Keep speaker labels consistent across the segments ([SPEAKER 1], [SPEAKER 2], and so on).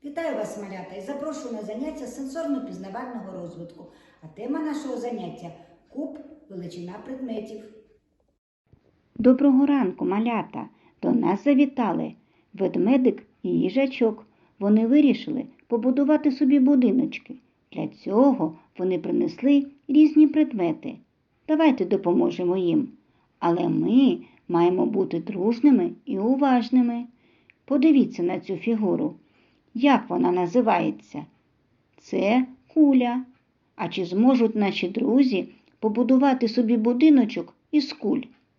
[SPEAKER 1] Вітаю вас, малята, і запрошую на заняття сенсорно-пізнавального розвитку. А тема нашого заняття – куб, величина предметів.
[SPEAKER 2] Доброго ранку, малята! До нас завітали ведмедик і їжачок. Вони вирішили побудувати собі будиночки. Для цього вони принесли різні предмети. Давайте допоможемо їм. Але ми маємо бути дружними і уважними. Подивіться на цю фігуру. Як вона називається? Це куля. А чи зможуть наші друзі побудувати собі будиночок із куль?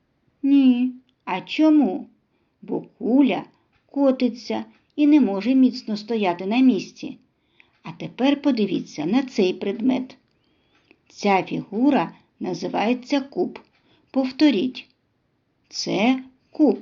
[SPEAKER 2] Ні. А чому? Бо куля котиться і не може міцно стояти на місці. А тепер подивіться на цей предмет. Ця фігура називається куб. Повторіть. Це куб.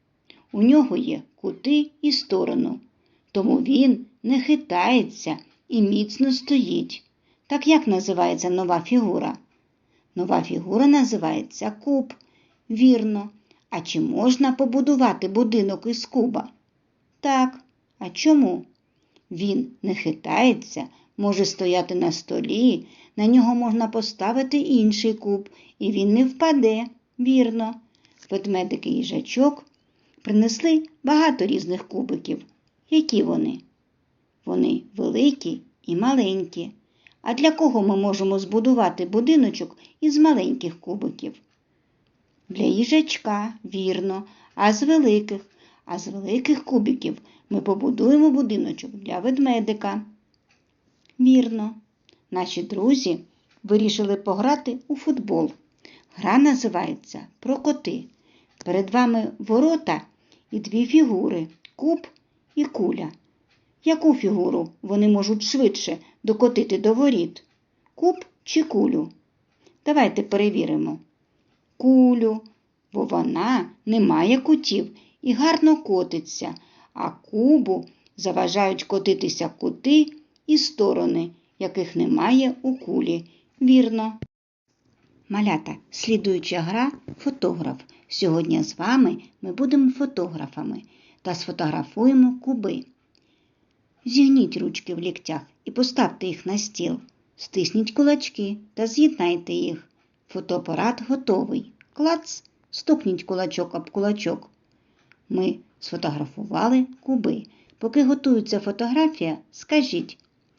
[SPEAKER 2] У нього є кути і сторону. Тому він не хитається і міцно стоїть. Так як називається нова фігура? Нова фігура називається куб. Вірно. А чи можна побудувати будинок із куба? Так. А чому? Він не хитається, може стояти на столі, на нього можна поставити інший куб, і він не впаде. Вірно. Ведмедик і їжачок принесли багато різних кубиків. Які вони? Вони великі і маленькі. А для кого ми можемо збудувати будиночок із маленьких кубиків? Для їжачка, вірно. А з великих кубиків ми побудуємо будиночок для ведмедика. Вірно. Наші друзі вирішили пограти у футбол. Гра називається «Про коти». Перед вами ворота і дві фігури – куб і куля. Яку фігуру вони можуть швидше докотити до воріт? Куб чи кулю? Давайте перевіримо. Кулю, бо вона не має кутів і гарно котиться, а кубу заважають котитися кути і сторони, яких немає у кулі. Вірно. Малята, слідуюча гра – фотограф. Сьогодні з вами ми будемо фотографами та сфотографуємо куби. Зігніть ручки в ліктях і поставте їх на стіл. Стисніть кулачки та з'єднайте їх. Фотоапарат готовий. Клац! Стукніть кулачок об кулачок. Ми сфотографували куби. Поки готується фотографія, скажіть,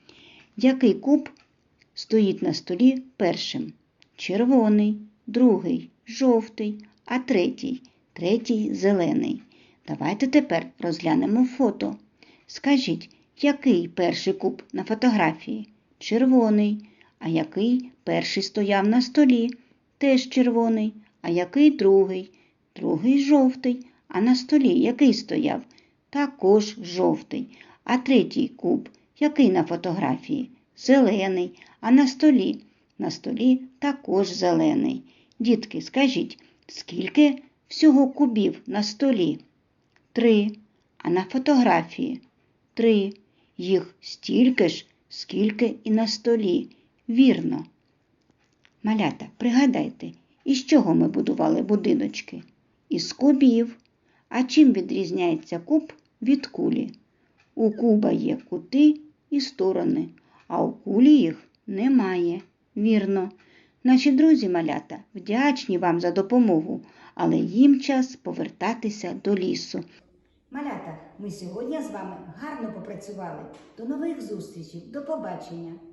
[SPEAKER 2] який куб стоїть на столі першим? Червоний, другий – жовтий, а третій – зелений. Давайте тепер розглянемо фото. Скажіть, який перший куб на фотографії? Червоний. А який перший стояв на столі? Теж червоний. А який другий? Другий жовтий. А на столі який стояв? Також жовтий. А третій куб, який на фотографії? Зелений. А на столі? На столі також зелений. Дітки, скажіть, скільки всього кубів на столі? 3. А на фотографії? 3. Їх стільки ж, скільки і на столі. Вірно. Малята, пригадайте, із чого ми будували будиночки? Із кубів. А чим відрізняється куб від кулі? У куба є кути і сторони, а у кулі їх немає. Вірно. Наші друзі, малята, вдячні вам за допомогу, але їм час повертатися до лісу.
[SPEAKER 1] Малята, ми сьогодні з вами гарно попрацювали. До нових зустрічей, до побачення!